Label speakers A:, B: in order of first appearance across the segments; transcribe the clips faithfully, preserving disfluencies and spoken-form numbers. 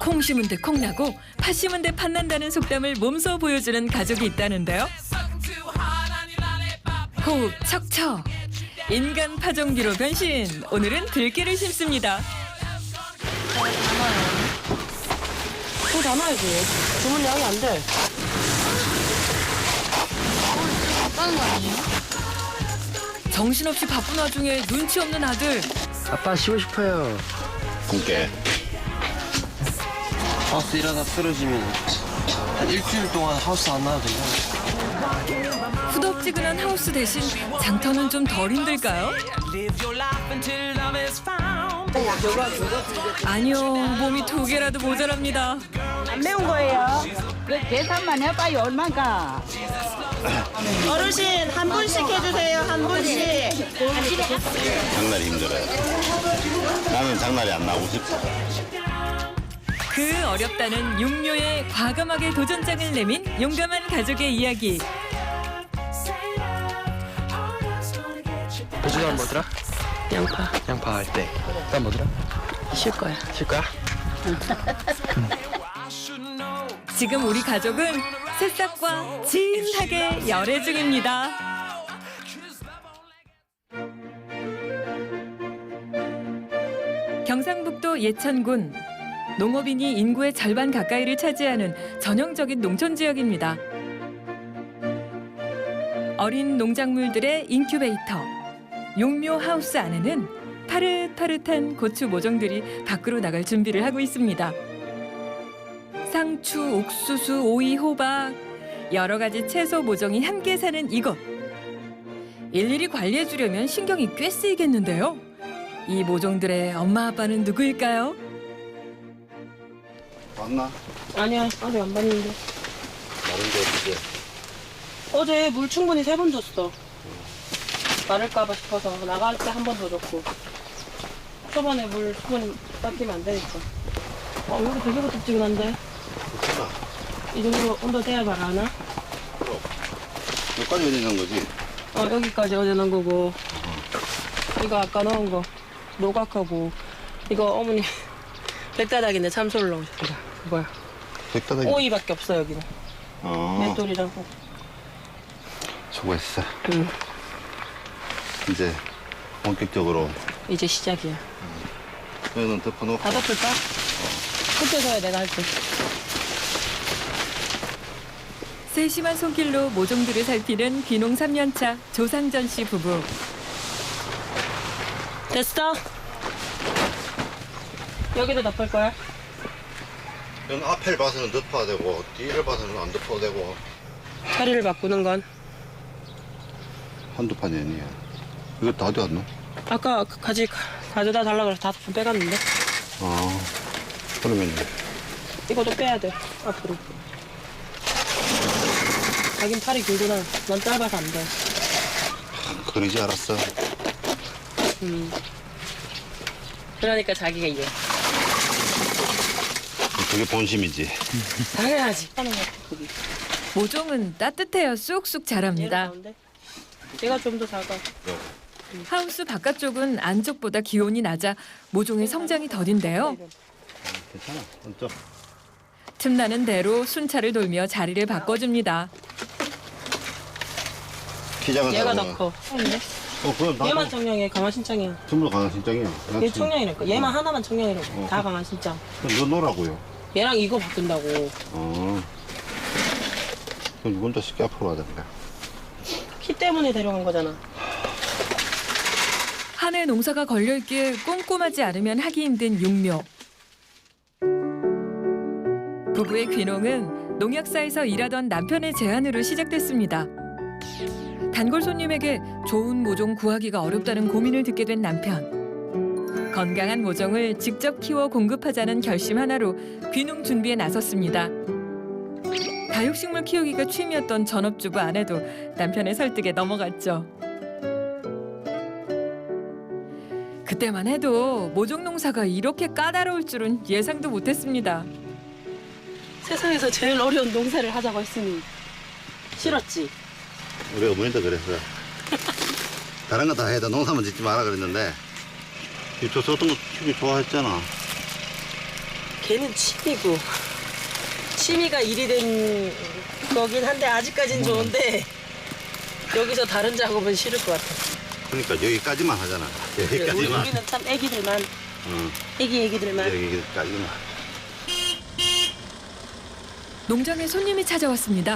A: 콩 심은 데 콩 나고 팥 심은 데 팥 난다는 속담을 몸소 보여주는 가족이 있다는데요. 호흡 척척. 인간 파종기로 변신. 오늘은 들깨를 심습니다.
B: 또 담아야지. 주문 양이 안 돼.
C: 바빠는 거 아니에요?
A: 정신없이 바쁜 와중에 눈치 없는 아들.
D: 아빠 쉬고 싶어요.
E: 굶게.
D: 하우스 일하다 쓰러지면 한 일주일 동안 하우스 안 나와도 돼요.
A: 후덥지근한 하우스 대신 장터는 좀 덜 힘들까요? 아니요, 몸이 두 개라도 모자랍니다.
F: 안 매운 거예요. 그 계산만 해봐요 얼마가.
B: 어르신 한 분씩 해주세요. 한 분씩.
E: 장날이 힘들어요. 나는 장날이 안 나오고 싶어.
A: 그 어렵다는 육묘에 과감하게 도전장을 내민 용감한 가족의 이야기.
D: 요즘은 뭐더라?
B: 양파.
D: 양파 할 때. 그다음 뭐더라?
B: 쉴 거야.
D: 쉴 거야?
A: 지금 우리 가족은 새싹과 진하게 열애 중입니다. 경상북도 예천군. 농업인이 인구의 절반 가까이를 차지하는 전형적인 농촌 지역입니다. 어린 농작물들의 인큐베이터. 용묘 하우스 안에는 파릇파릇한 고추 모종들이 밖으로 나갈 준비를 하고 있습니다. 상추, 옥수수, 오이, 호박 여러 가지 채소 모종이 함께 사는 이곳. 일일이 관리해 주려면 신경이 꽤 쓰이겠는데요. 이 모종들의 엄마 아빠는 누구일까요?
E: 왔나?
B: 아니야. 아직 안 봤는데.
E: 다른데 어떻게?
B: 어제 물 충분히 세 번 줬어. 마를까봐 싶어서 나갈 때 한 번 더 줬고. 초반에 물 충분히 닦이면 안 되니까. 어, 여기 되게 부탁지근한데.
E: 괜찮아.
B: 이 정도 온도 돼야 말하나?
E: 여기까지 어디 있는 거지?
B: 어, 여기까지 어제 넣은 거고. 이거 아까 넣은 거. 노각하고. 이거 어머니 백다닥인데 참소를 넣으셨다. 뭐야?
E: 백다닥이.
B: 오이밖에 없어, 여기는.
E: 어.
B: 맷돌이랑.
E: 수고했어.
B: 응.
E: 이제 본격적으로
B: 이제 시작이야.
E: 여기는 덮어놓고.
B: 다 덮을까? 그때 져야 내가 할게.
A: 세심한 손길로 모종들을 살피는 귀농 삼 년 차 조상전 씨 부부.
B: 됐어? 여기도 덮을 거야?
E: 여기 앞을 봐서는 덮어야 되고 뒤를 봐서는 안 덮어도 되고.
B: 자리를 바꾸는 건?
E: 한두 판이 아니야. 이거 다 어디 갔노?
B: 아까 그 가지 가져다 달라고 해서 다섯 분 빼갔는데?
E: 아, 그러면
B: 이것도 빼야 돼, 앞으로. 자긴 팔이 길구나. 난 짧아서 안 돼.
E: 그러지 알았어.
B: 음. 그러니까 자기가 이래.
E: 그게 본심이지.
B: 당연하지. 하는 거 거기.
A: 모종은 따뜻해야 쑥쑥
B: 얘가
A: 자랍니다.
B: 가운데? 얘가 좀 더 작아.
A: 하우스 바깥쪽은 안쪽보다 기온이 낮아 모종의 성장이 더딘데요.
E: 괜찮아. 얹어.
A: 틈나는 대로 순찰을 돌며 자리를 바꿔줍니다.
E: 키 작은
B: 얘가
E: 사람은-
B: 더 커. 아닌데?
E: 어, 그럼 나도
B: 얘만 청량해. 강한 신장이야.
E: 전부 다 강한 신장이야.
B: 얘 청량이랄까. 얘만 하나만 청량이라고.
E: 어.
B: 다 강한 신장.
E: 너 놓으라고요.
B: 얘랑 이거 바꾼다고.
E: 어. 그럼 혼자 쉽게 앞으로 가야 된다.
B: 키 때문에 데려간 거잖아.
A: 한 해 농사가 걸려있기에 꼼꼼하지 않으면 하기 힘든 육묘. 부부의 귀농은 농약사에서 일하던 남편의 제안으로 시작됐습니다. 단골 손님에게 좋은 모종 구하기가 어렵다는 고민을 듣게 된 남편. 건강한 모종을 직접 키워 공급하자는 결심 하나로 귀농 준비에 나섰습니다. 다육식물 키우기가 취미였던 전업주부 아내도 남편의 설득에 넘어갔죠. 그때만 해도 모종 농사가 이렇게 까다로울 줄은 예상도 못했습니다.
B: 세상에서 제일 어려운 농사를 하자고 했으니 싫었지?
E: 우리 어머니도 그랬어. 다른 거 다 해도 농사만 짓지 마라 그랬는데 이 조소던 거 키우기 좋아했잖아.
B: 걔는 취미고 취미가 일이 된 거긴 한데 아직까진 좋은데 여기서 다른 작업은 싫을 것 같아.
E: 그러니까 여기까지만 하잖아. 여기까지만.
B: 우리는 참 애기들만
E: 응.
B: 애기 애기들만.
E: 여기까지만.
A: 농장에 손님이 찾아왔습니다.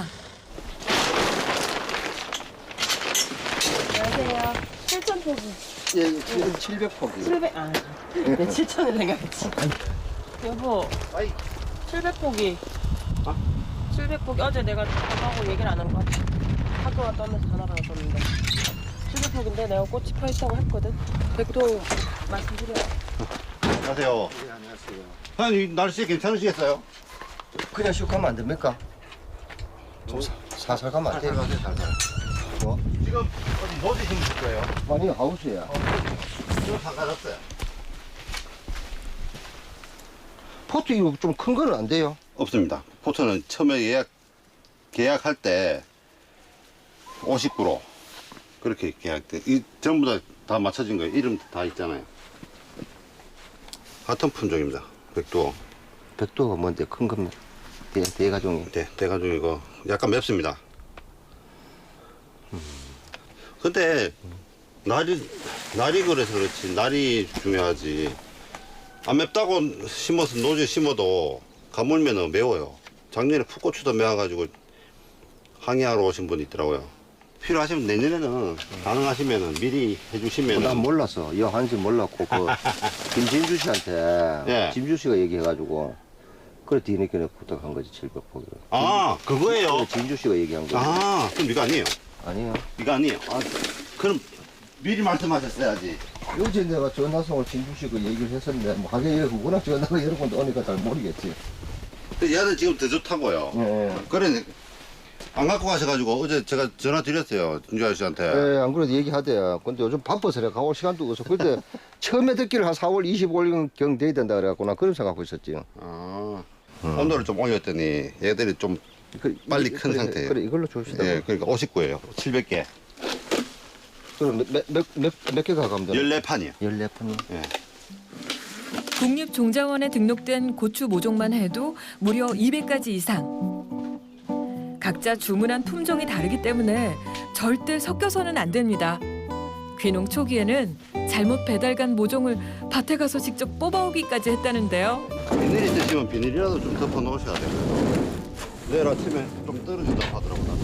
B: 안녕하세요. 칠천 포기.
D: 예, 지금 칠백 포기.
B: 칠백 아, 네, 칠천을 생각했지. 여보,
E: 아이.
B: 칠백 포기. 칠백 포기. 어제 내가 전화하고 얘기를 안 한 것 같아. 학교 갔다 오면서 전화가 왔었는데. 칠백 포기인데 내가 꽃이 펴 있다고 했거든. 백도 말씀드려요.
E: 안녕하세요.
D: 네, 안녕하세요.
E: 사장님 날씨 괜찮으시겠어요?
D: 그냥 슉 가면 안 됩니까? 좀 사, 살살 가면 안 돼요?
E: 살살 살살.
D: 뭐?
E: 지금 어디 노지신 거예요?
D: 아니, 하우스야.
E: 지금 상가졌어요.
D: 포트 이거 좀 큰 거는 안 돼요?
E: 없습니다. 포트는 처음에 예약 계약할 때 오십 그루 그렇게 계약돼. 이 전부 다 다 맞춰진 거예요. 이름 다 있잖아요. 같은 품종입니다. 백두어.
D: 백도가 뭔데 큰 겁니다. 대, 대가종이.
E: 네, 대가종이고 약간 맵습니다. 근데 날이 날이 그래서 그렇지 날이 중요하지. 안 맵다고 심어서 노지에 심어도 가물면은 매워요. 작년에 풋고추도 매워가지고 항의하러 오신 분이 있더라고요. 필요하시면 내년에는 가능하시면은 미리 해주시면.
D: 난 몰랐어. 이 한지 몰랐고 그 김진주 씨한테
E: 예.
D: 진주 씨가 얘기해가지고 그래 뒤늦게 부탁한 거지 칠백 포기를.
E: 아 그거예요.
D: 진주 씨가 얘기한 거.
E: 아 그럼 이거 아니에요.
D: 아니에요.
E: 이거 아니에요. 아 그럼 미리 말씀하셨어야지.
D: 어제 내가 전화송을 진주 씨가 얘기를 했었는데 뭐 하긴 이래 워낙 전화가 여러 번 오니까 잘 모르겠지.
E: 근데 얘는 지금 더 좋다고요.
D: 예.
E: 그래 안 갖고 가셔가지고 어제 제가 전화 드렸어요 진주 아저씨한테.
D: 예, 안 그래도 얘기하대요. 근데 요즘 바빠서 내가 가올 시간도 없어. 그때 처음에 듣기를 한 사월 이십오일경 돼야 된다 그래갖고 나 그런 생각하고 있었지.
E: 아 온도를 좀 올렸더니 얘들이 좀
D: 그래,
E: 빨리
D: 이-
E: 큰
D: 그래,
E: 상태예요.
D: 그래 이걸로 줍시다.
E: 예, 그러니까 오십구예요. 칠백 개.
D: 그럼 몇몇몇 개가 가면 되나?
E: 열네 판이요.
D: 열네 푼이.
E: 예.
A: 국립종자원에 등록된 고추 모종만 해도 무려 이백 가지 이상. 각자 주문한 품종이 다르기 때문에 절대 섞여서는 안 됩니다. 귀농 초기에는 잘못 배달 간 모종을 밭에 가서 직접 뽑아오기까지 했다는데요.
E: 비닐이 드시면 비닐이라도 좀 덮어 놓으셔야 돼요. 내일 아침에 좀 떨어진다고 하더라고요.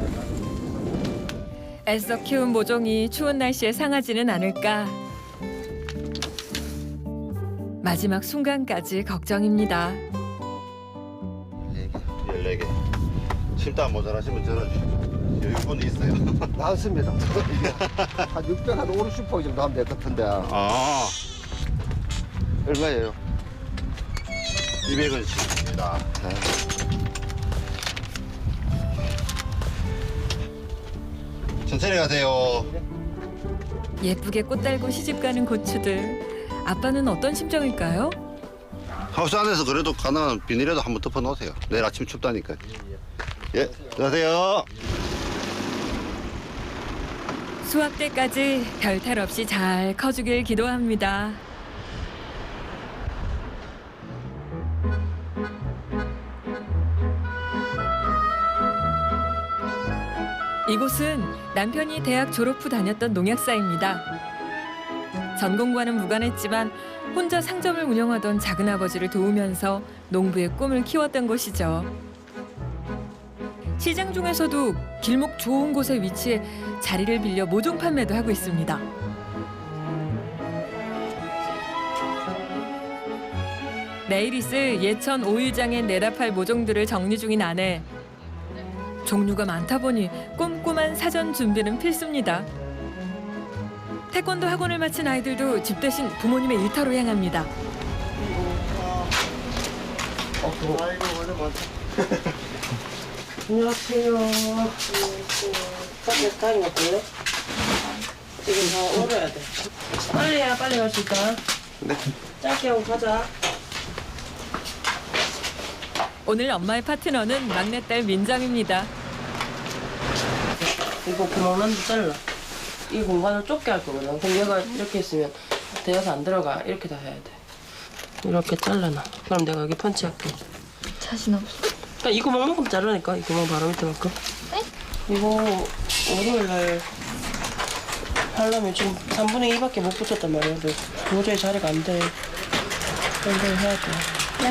A: 애써 키운 모종이 추운 날씨에 상하지는 않을까. 마지막 순간까지 걱정입니다.
E: 열네 개. 심다 모자라시면 전화 주십시오. 여유분이 있어요.
D: 나왔습니다. 한 육백, 한 오십 포기 정도 하면 될 것 같은데.
E: 아,
D: 얼마예요?
E: 이백 원씩입니다. 천천히 가세요.
A: 예쁘게 꽃 달고 시집가는 고추들. 아빠는 어떤 심정일까요?
E: 하우스 안에서 그래도 가능한 비닐에도 한번 덮어 놓으세요. 내일 아침 춥다니까. 예, 안녕하세요.
A: 수확 때까지 별탈 없이 잘 커주길 기도합니다. 이곳은 남편이 대학 졸업 후 다녔던 농약사입니다. 전공과는 무관했지만 혼자 상점을 운영하던 작은아버지를 도우면서 농부의 꿈을 키웠던 곳이죠. 시장 중에서도 길목 좋은 곳에 위치해 자리를 빌려 모종 판매도 하고 있습니다. 내일 있을 예천 오일장에 내다 팔 모종들을 정리 중인 아내. 종류가 많다 보니 꼼꼼한 사전 준비는 필수입니다. 태권도 학원을 마친 아이들도 집 대신 부모님의 일터로 향합니다.
B: 안녕하세요. 빨리 다리 먹을래? 지금 다 얼어야 돼. 빨리 해야 빨리 갈 수 있다.
E: 네.
B: 짧게 하고 가자.
A: 오늘 엄마의 파트너는 막내딸 민정입니다.
B: 이거 구멍난도 잘라. 이 공간을 좁게 할 거거든. 그럼 얘가 이렇게 있으면 대어서 안 들어가. 이렇게 다 해야 돼. 이렇게 잘라놔. 그럼 내가 여기 펀치할게.
C: 자신 없어.
B: 그러니까 이 구멍만큼 자르니까 이 구멍 바로 밑에만큼.
C: 네?
B: 이거 월요일날 하려면 지금 삼분의 이밖에 못 붙였단 말이야. 근데 도저히 자리가 안 돼. 연결 해야 돼.
C: 네.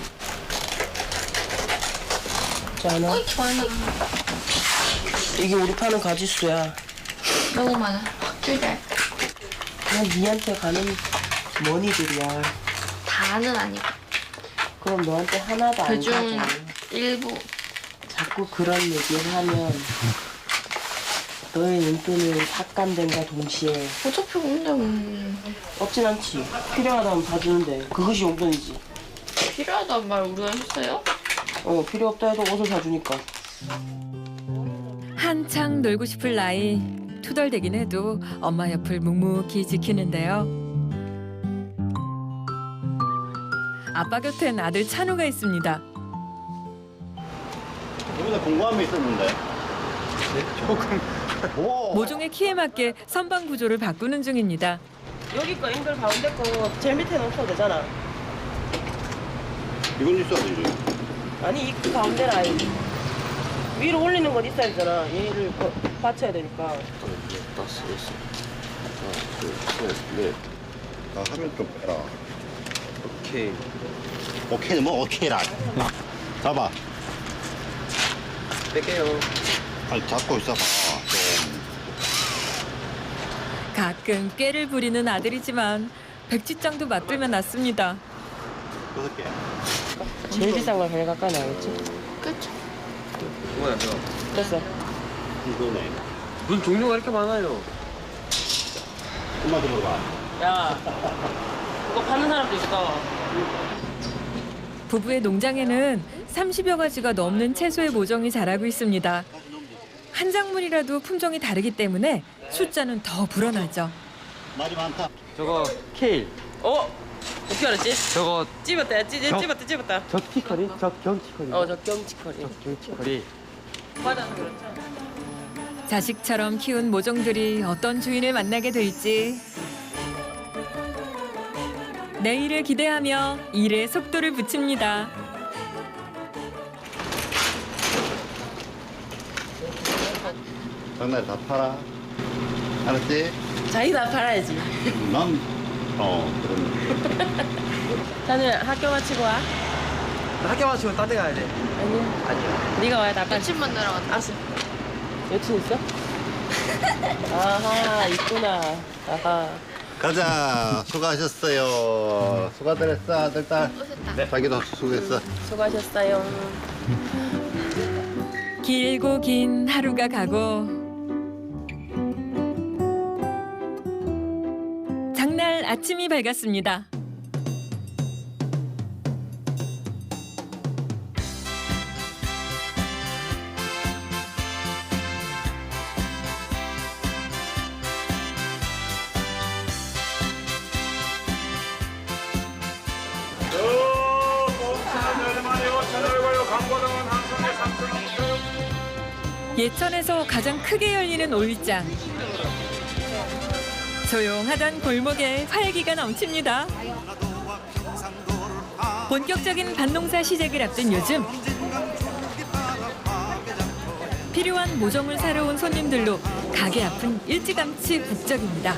B: 자, 하나.
C: 어이, 많아.
B: 이게 우리 파는 가지수야.
C: 너무 많아. 확 줄자.
B: 그냥 니한테 가는 머니들이야.
C: 다는 아니고.
B: 그럼 너한테 하나도 안
C: 그중
B: 가져.
C: 일부.
B: 자꾸 그런 얘기를 하면 너의 눈돈을 삭감된과 동시에
C: 어차피 혼자면
B: 없진 않지. 필요하다면 다 주는데 그것이 용돈이지.
C: 필요하단 말 우리가 했어요?
B: 어, 필요 없다 해도 옷을 사주니까.
A: 한창 놀고 싶을 나이. 투덜대긴 해도 엄마 옆을 묵묵히 지키는데요. 아빠 곁엔 아들 찬우가 있습니다.
E: 이번에 공부함이 있었는데. 조금. 오.
A: 모종의 키에 맞게 선반 구조를 바꾸는 중입니다.
B: 여기 거 앵글 가운데 거 제일 밑에는 없어도 되잖아.
E: 이건 있어야 되지.
B: 아니 이 가운데 라인 위로 올리는 건 있어야 되잖아. 얘를 거- 받쳐야 되니까.
D: 다섯, 여섯, 하나, 둘, 셋, 넷.
E: 나 화면 좀 빼라.
D: 오케이.
E: 오케이는 뭐 오케이라. 잡아.
D: 뺄게요.
E: 아니 잡고 있어봐. 좀.
A: 가끔 꾀를 부리는 아들이지만 백지장도 맞들면 낫습니다.
E: 여섯 개.
B: 제일 비싼 걸 제일 가까이 나겠지.
C: 그쵸?
D: 뭐야, 저.
B: 됐어.
E: 이거네.
D: 무슨 종류가 이렇게 많아요?
E: 엄마한테 물어봐.
B: 야, 그거 파는 사람도 있어.
A: 부부의 농장에는 삼십여 가지가 넘는 채소의 모종이 자라고 있습니다. 한 작물이라도 품종이 다르기 때문에 숫자는 더 불어나죠.
E: 말이 많다.
G: 저거 케일,
B: 어? 어떻게 알았지?
G: 저거
B: 찝었다, 찝,
G: 저-
B: 찝었다, 찝었다.
G: 적티커리, 적경티커리,
B: 어, 저 경치커리.
G: 적경티커리.
B: 맞아서 그렇죠.
A: 자식처럼 키운 모종들이 어떤 주인을 만나게 될지 내일을 기대하며 일에 속도를 붙입니다.
E: 장날 다 팔아. 알았지?
B: 자기 다 팔아야지.
E: 난, 어, 그럼.
B: 자는 학교 마치고 와.
G: 학교 마치고 딴 데 가야 돼.
B: 아니야.
G: 아니야.
B: 네가 와야 나 빨리.
C: 며칠 만나러 갔다.
B: 알았어. 여친 있어? 아하, 있구나. 아하.
E: 가자. 수고하셨어요. 수고들 했어, 아들, 딸.
C: 오셨다.
E: 자기도 수고했어.
B: 수고하셨어요.
A: 길고 긴 하루가 가고 장날 아침이 밝았습니다. 예천에서 가장 크게 열리는 올장. 조용하던 골목에 활기가 넘칩니다. 본격적인 밭농사 시작을 앞둔 요즘 필요한 모종을 사러 온 손님들로 가게 앞은 일찌감치 북적입니다.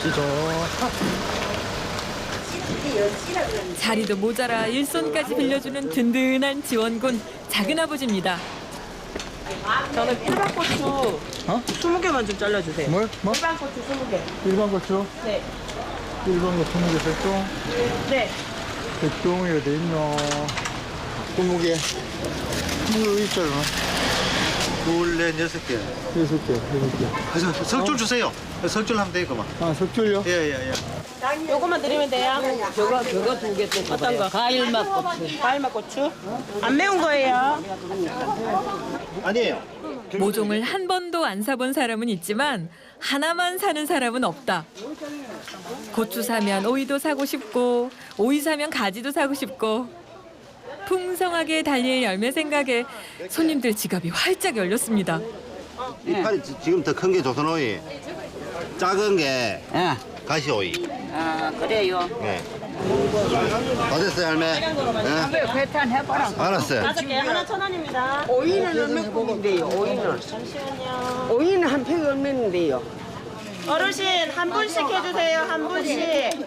A: 자리도 모자라 일손까지 빌려주는 든든한 지원군 작은아버지입니다.
B: 저는 일반 고추
G: 어?
B: 스무 개만 좀 잘라주세요.
G: 뭘? 뭐?
B: 일반 고추 스무 개.
G: 일반 고추?
B: 네.
G: 일반 거 스무 개 백종?
B: 네.
G: 백종이 어디 있노? 스무 개. 물 있잖아.
E: 둘, 넷, 여섯 개.
G: 여섯 개, 여섯 개.
E: 아, 석줄 주세요. 석줄 하면 되겠구만.
G: 아, 석줄요?
E: 예, 예, 예.
B: 요거만 드리면 돼요. 저거 저거 두 개 또. 어떤 거?
F: 과일맛 고추.
B: 과일맛 고추. 안 매운 거예요.
E: 아니에요.
A: 모종을 한 번도 안 사본 사람은 있지만 하나만 사는 사람은 없다. 고추 사면 오이도 사고 싶고 오이 사면 가지도 사고 싶고 풍성하게 달릴 열매 생각에 손님들 지갑이 활짝 열렸습니다.
E: 이 팔이 지- 지금 더 큰 게 조선오이. 작은 게
F: 예.
E: 가시오이.
F: 아, 그래요.
E: 예. 다 됐어요, 할매? 네?
F: 배탄 해봐라.
E: 알았어요.
B: 다섯 개 하나 천 원입니다.
H: 오이는 얼마 국인데요, 오이는?
B: 잠시만요.
H: 오이는 한 팩이 얼마인데요?
B: 어르신 한 분씩 해주세요. 한 분씩.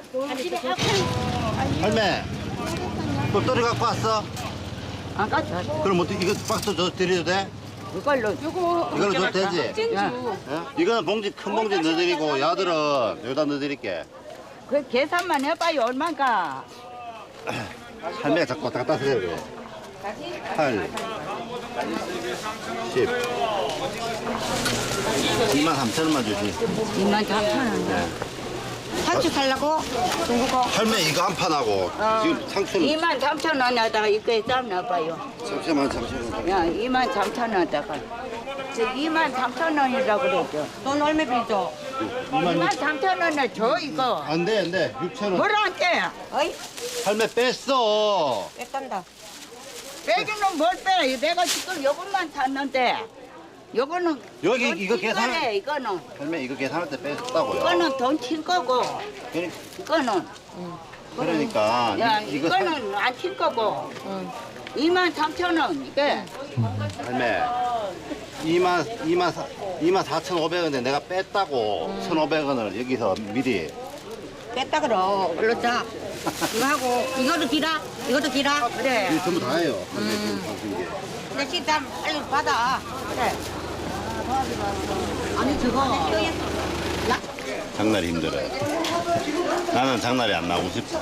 E: 할매, 똘똘이 갖고 왔어?
H: 아까 저
E: 그럼 어떻게 이거 박스 줘 드려도 돼?
H: 이걸로
E: 이걸로 줘도 되지?
H: 야,
E: 예? 이거는 봉지, 큰 봉지 넣어드리고, 야들은 여기다 넣어드릴게.
F: 그 계산만 해봐요. 얼마인가?
E: 할매가 자꾸 왔다 갔다 하세요, 그래. 팔, 십. 이만 삼천 원만 주시.
F: 이만 삼천 원.
E: 네.
F: 같이 살라고? 중국어?
E: 할매 이거 한 판하고 지금 상추는
F: 이만 삼천 원에다가 이거에 쌈 넣어봐요.
E: 잠시만 잠시만.
F: 야, 이만 삼천 원에다가. 저 이만 삼천 원이라고 그랬죠. 돈 얼마 빌죠? 이만 삼천 원을 줘, 이거.
E: 안돼 안돼 육천 원.
F: 뭐라 안 돼? 어이,
E: 할매 뺐어.
F: 뺏간다. 빼기는 뭘 빼? 내가 지금 요것만 샀는데. 요거는.
E: 여기
F: 돈
E: 이거
F: 튄
E: 계산-
F: 거래, 이거는.
E: 할매 이거 계산할 때 뺐다고요.
F: 이거는 돈 튄 거고.
E: 그러-
F: 이거는.
E: 그러니까
F: 야,
E: 이- 이거 사-
F: 이거는 안 튈 거고. 이만 삼천 원, 이게.
E: 할매 이만 이만 사 이만 사천 오백 원인데 내가 뺐다고 천오백 원을 여기서 미리.
F: 뺐다 그러. 얼른 자. 이거 하고, 이것도 기라? 이것도 기라? 그래.
E: 이거 전부 다예요. 할매 지금 방금 게.
F: 근데 식당 빨리 받아. 그래. 아니, 저거.
E: 장날이 힘들어요. 나는 장날이 안 나오고 싶어.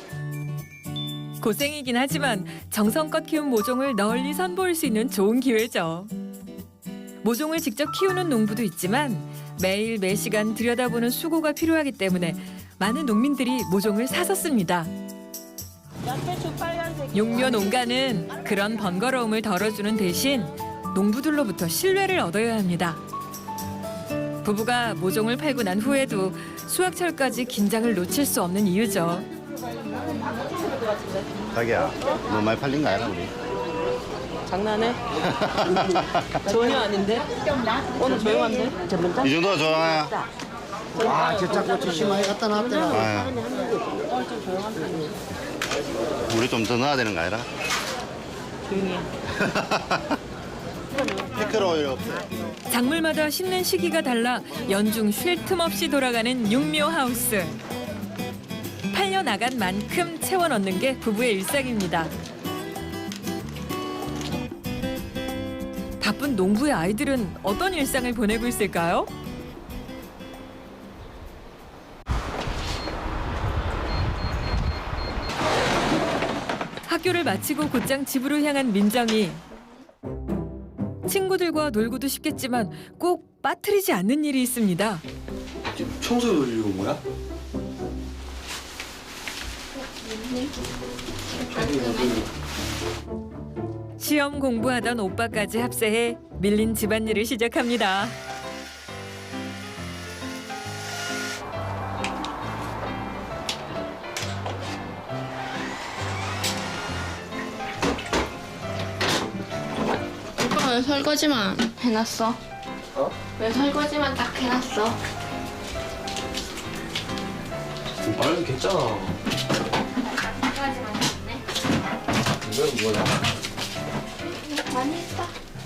A: 고생이긴 하지만 정성껏 키운 모종을 널리 선보일 수 있는 좋은 기회죠. 모종을 직접 키우는 농부도 있지만 매일 매시간 들여다보는 수고가 필요하기 때문에 많은 농민들이 모종을 사서 씁니다.
B: 양배추 빨간색.
A: 용묘 농가는 그런 번거로움을 덜어주는 대신 농부들로부터 신뢰를 얻어야 합니다. 부부가 모종을 팔고 난 후에도 수확철까지 긴장을 놓칠 수 없는 이유죠.
E: 자기야, 너무 많이 팔린 거 아니야 우리?
B: 장난해? 전혀 아닌데? 오늘 조용한데?
E: 이 정도가 좋아요.
G: 아, 저짝 고추 심하게 갖다 놨더라.
E: 아유. 우리 좀 더 넣어야 되는 거 아니라?
B: 조용히 해.
E: 피클 오일 없어요.
A: 작물마다 심는 시기가 달라 연중 쉴 틈 없이 돌아가는 육묘 하우스. 팔려 나간 만큼 채워 넣는 게 부부의 일상입니다. 바쁜 농부의 아이들은 어떤 일상을 보내고 있을까요? 학교를 마치고 곧장 집으로 향한 민정이. 친구들과 놀고도 싶겠지만 꼭 빠뜨리지 않는 일이 있습니다.
I: 지금 청소기 돌리고 온 거야?
A: 시험 공부하던 오빠까지 합세해 밀린 집안일을 시작합니다.
C: 오빠 왜 설거지만 해놨어?
I: 어?
C: 왜 설거지만 딱 해놨어?
I: 말도 괜찮아.
C: 설거지만 했네.
I: 이건 뭐냐?
C: 많이 했어.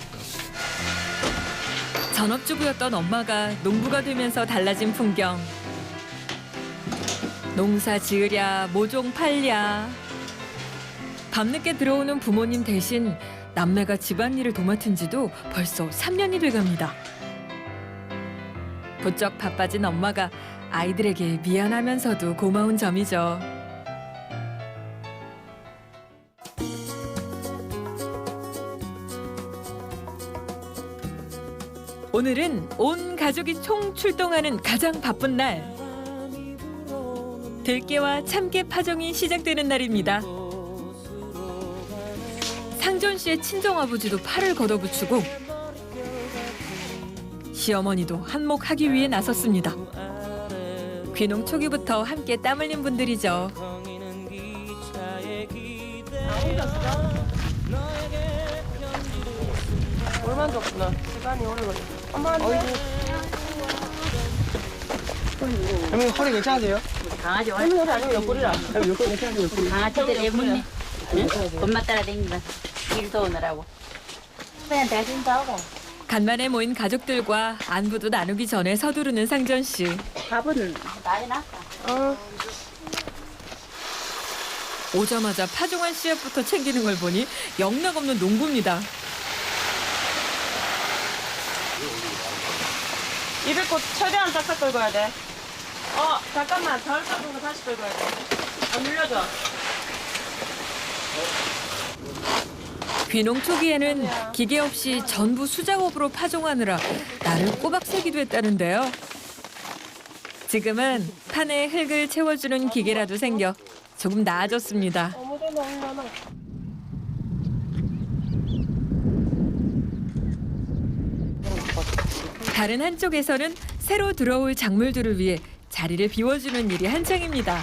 A: 전업주부였던 엄마가 농부가 되면서 달라진 풍경. 농사 지으랴 모종 팔랴. 밤늦게 들어오는 부모님 대신 남매가 집안일을 도맡은 지도 벌써 삼 년이 돼갑니다. 부쩍 바빠진 엄마가 아이들에게 미안하면서도 고마운 점이죠. 오늘은 온 가족이 총 출동하는 가장 바쁜 날. 들깨와 참깨 파종이 시작되는 날입니다. 상전 씨의 친정아버지도 팔을 걷어붙이고 시어머니도 한몫하기 위해 나섰습니다. 귀농 초기부터 함께 땀 흘린 분들이죠.
B: 얼마나 줬구나. 시간이 오래 걸려. 엄마 한 대.
G: 할머니 허리 괜찮으세요?
F: 강아지 와.
B: 할머니 아니면 옆구리라.
F: 강아지들 예쁘네. 엄마 따라 다닌다. 일 도우느라고. 그냥 대신 하고.
A: 간만에 모인 가족들과 안부도 나누기 전에 서두르는 상전 씨.
F: 밥은 다 해놨어.
B: 어.
A: 오자마자 파종한 씨앗부터 챙기는 걸 보니 영락없는 농부입니다.
B: 이백꽃 최대한 싹싹 긁어야 돼. 어, 잠깐만. 덜 깎은 거 다시 긁어야 돼. 안 눌려줘.
A: 귀농 초기에는 기계 없이 전부 수작업으로 파종하느라 나를 꼬박 새기도 했다는데요. 지금은 판에 흙을 채워주는 기계라도 생겨 조금 나아졌습니다.
B: 아무데나 올려놔.
A: 다른 한쪽에서는 새로 들어올 작물들을 위해 자리를 비워주는 일이 한창입니다.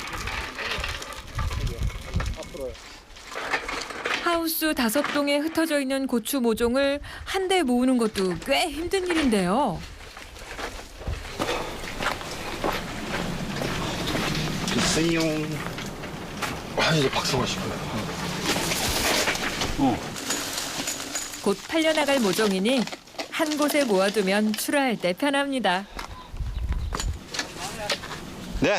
A: 하우스 다섯 동에 흩어져 있는 고추 모종을 한데 모으는 것도 꽤 힘든 일인데요.
E: 글쎄요.
I: 아, 이제 박성화 씨 거야.
E: 어.
A: 곧 팔려나갈 모종이니 한 곳에 모아두면 출하할 때 편합니다.
E: 네.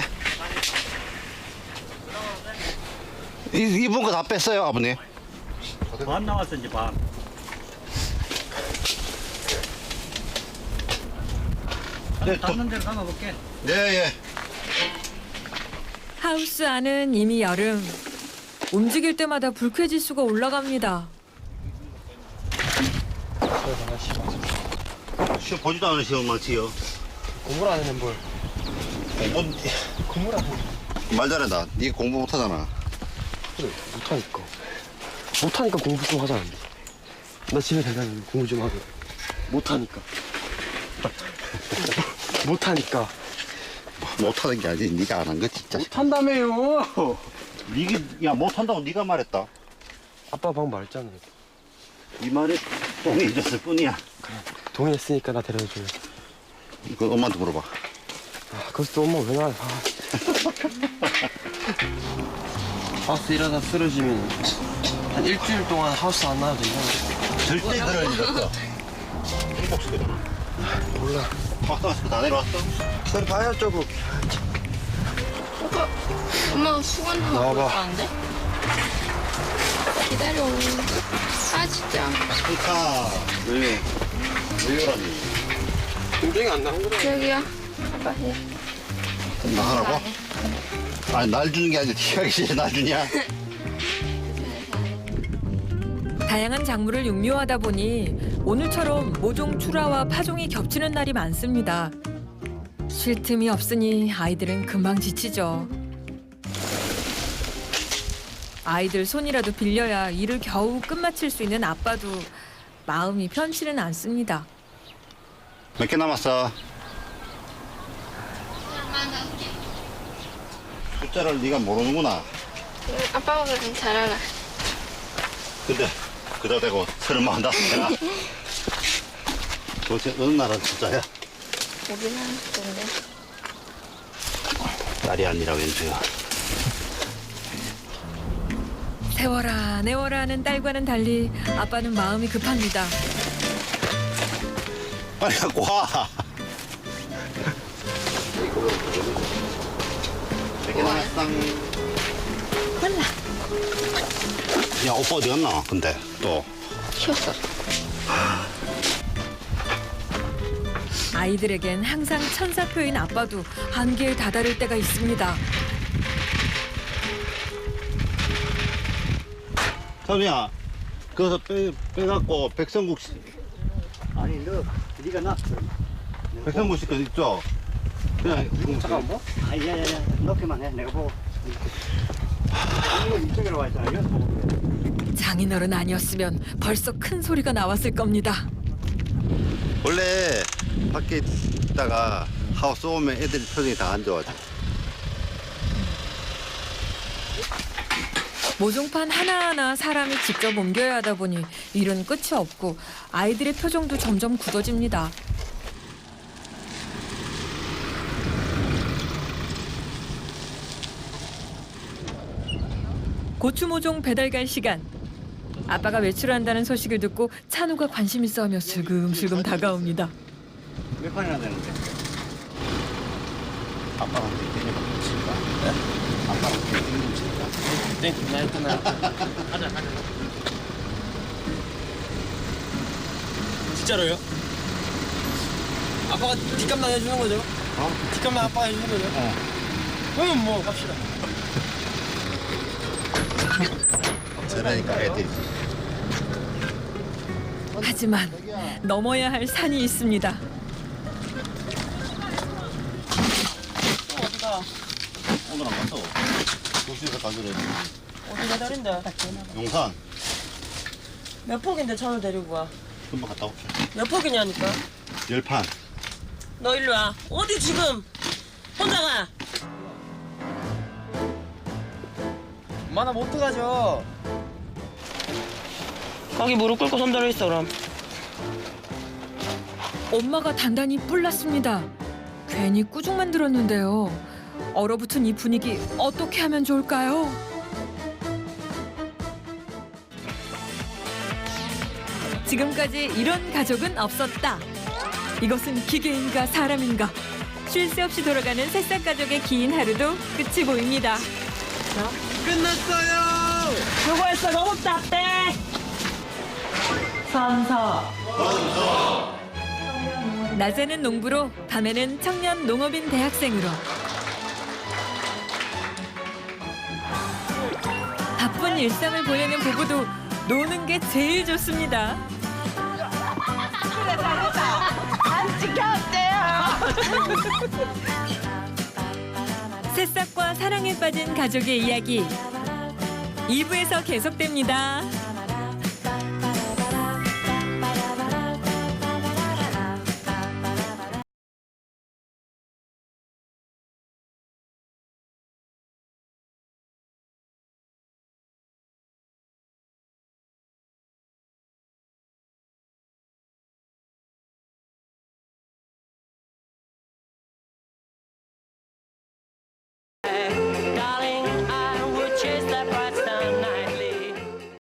E: 이, 이분 거 다 뺐어요, 아버님.
G: 반 나왔어 이제 반.
E: 네, 또-
G: 닿는 대로 담아볼게.
E: 네, 예.
A: 하우스 안은 이미 여름. 움직일 때마다 불쾌지수가 올라갑니다.
E: 시험 보지도 않은 시험 많지요.
I: 공부를 안 했는 뭘.
E: 공부,
I: 공부를 안 해.
E: 말 잘한다. 니 공부 못하잖아.
I: 그래, 못하니까. 못하니까 공부 좀 하자. 나 집에 대다니면 공부 좀 하고. 못하니까. 못하니까.
E: 못하는 게 아니지. 니가 안 한 거 진짜.
I: 못한다며요.
E: 니가, 야, 못한다고 니가 말했다.
I: 아빠 방금 말했잖아요.
E: 이 말에 똥이 잊었을 뿐이야.
I: 동의했으니까 나 데려줘요.
E: 이거 엄마한테 물어봐.
I: 아, 그래서 또 엄마 왜 나와? 아, 하우스 일하다 쓰러지면 한 일주일 동안 하우스 안 나와도 된다는데.
E: 절대 그럴 일 없어. 행복시켜잖아.
I: 몰라.
E: 박수 마스크 다 내려왔어?
I: 기다려 봐야죠, 뭐.
C: 오빠, 엄마가 수건하고
I: 나와봐.
C: 올라왔는데? 기다려. 아, 진짜.
E: 스카. 왜? 왜 이러니?
I: 굉장히 안 나온 거라.
C: 여기야. 아빠 해.
E: 나가라고? 아니, 날 주는 게 아니라 티가 싫어, 날 주냐?
A: 다양한 작물을 육묘하다 보니 오늘처럼 모종 출하와 파종이 겹치는 날이 많습니다. 쉴 틈이 없으니 아이들은 금방 지치죠. 아이들 손이라도 빌려야 일을 겨우 끝마칠 수 있는 아빠도 마음이 편치는 않습니다.
E: 몇 개 남았어? 숫자를 네가 모르는구나.
C: 아빠가 그럼 잘 알아.
E: 근데 그다 대고 서른만 다섯 개나? 도대체 어느 나라 숫자야?
C: 우리나라 건데.
E: 딸이 아니라 왼수야.
A: 세워라 내워라 하는 딸과는 달리 아빠는 마음이 급합니다.
E: 빨리 갖고 와. 몇 개 남았어?
C: 몰라.
E: 야, 오빠 어디 갔나? 근데 또.
C: 쉬었어.
A: 아이들에겐 항상 천사표인 아빠도 한계에 다다를 때가 있습니다.
E: 선우야, 그래서 빼, 빼갖고 백성국 씨,
G: 아니 너 네가 나.
E: 백성국 씨 거 있죠? 그냥
G: 잠깐 뭐? 아야야야 넣기만 해. 내가 보고. 이거 이쪽으로 와 있잖아. 여기서 보고 그래.
A: 장인어른 아니었으면 벌써 큰 소리가 나왔을 겁니다.
E: 원래 밖에 있다가 하우스 오면 애들 표정이 다 안 좋아져.
A: 모종판 하나하나 사람이 직접 옮겨야 하다 보니 일은 끝이 없고 아이들의 표정도 점점 고추 모종 배달 갈 시간. 아빠가 외출한다는 소식을 듣고 찬우가 관심 있어하며 슬금슬금 다가옵니다.
G: 몇 판이나 되는데?
E: 아빠가 어떻게 되냐고 칠까? 네? 아빠가 어떻게 되냐고 칠까?
I: 네, 끝나 끝나. 가자 가자. 진짜로요? 아빠가 뒷감당 해주는 거죠? 어? 뒷감당 아빠가 해주는 거죠? 어. 그러면 뭐 갑시다.
E: 저러니까 애들이.
A: 하지만 넘어야 할 산이 있습니다.
B: 어디가?
E: 오늘 안 갔어. 도시에서 가기로 했지.
B: 어디 배달인데?
E: 용산.
B: 몇 폭인데 차를 데리고 와?
E: 금방 갔다 올게.
B: 몇 폭이냐니까?
E: 열 판.
B: 너 일로 와. 어디 지금? 혼자 가.
I: 엄마 나못 들어가죠.
B: 거기 무릎 꿇고 손 들어 있어 그럼.
A: 엄마가 단단히 뿔났습니다. 괜히 꾸중만 들었는데요. 얼어붙은 이 분위기 어떻게 하면 좋을까요? 지금까지 이런 가족은 없었다. 이것은 기계인가 사람인가? 쉴 새 없이 돌아가는 새싹 가족의 긴 하루도 끝이 보입니다.
I: 끝났어요.
B: 수고했어. 너무 답대. 선서.
A: 낮에는 농부로, 밤에는 청년 농업인 대학생으로. 바쁜 일상을 보내는 부부도 노는 게 제일 좋습니다.
F: 안 지켰대요.
A: 새싹과 사랑에 빠진 가족의 이야기 이 부에서 계속됩니다.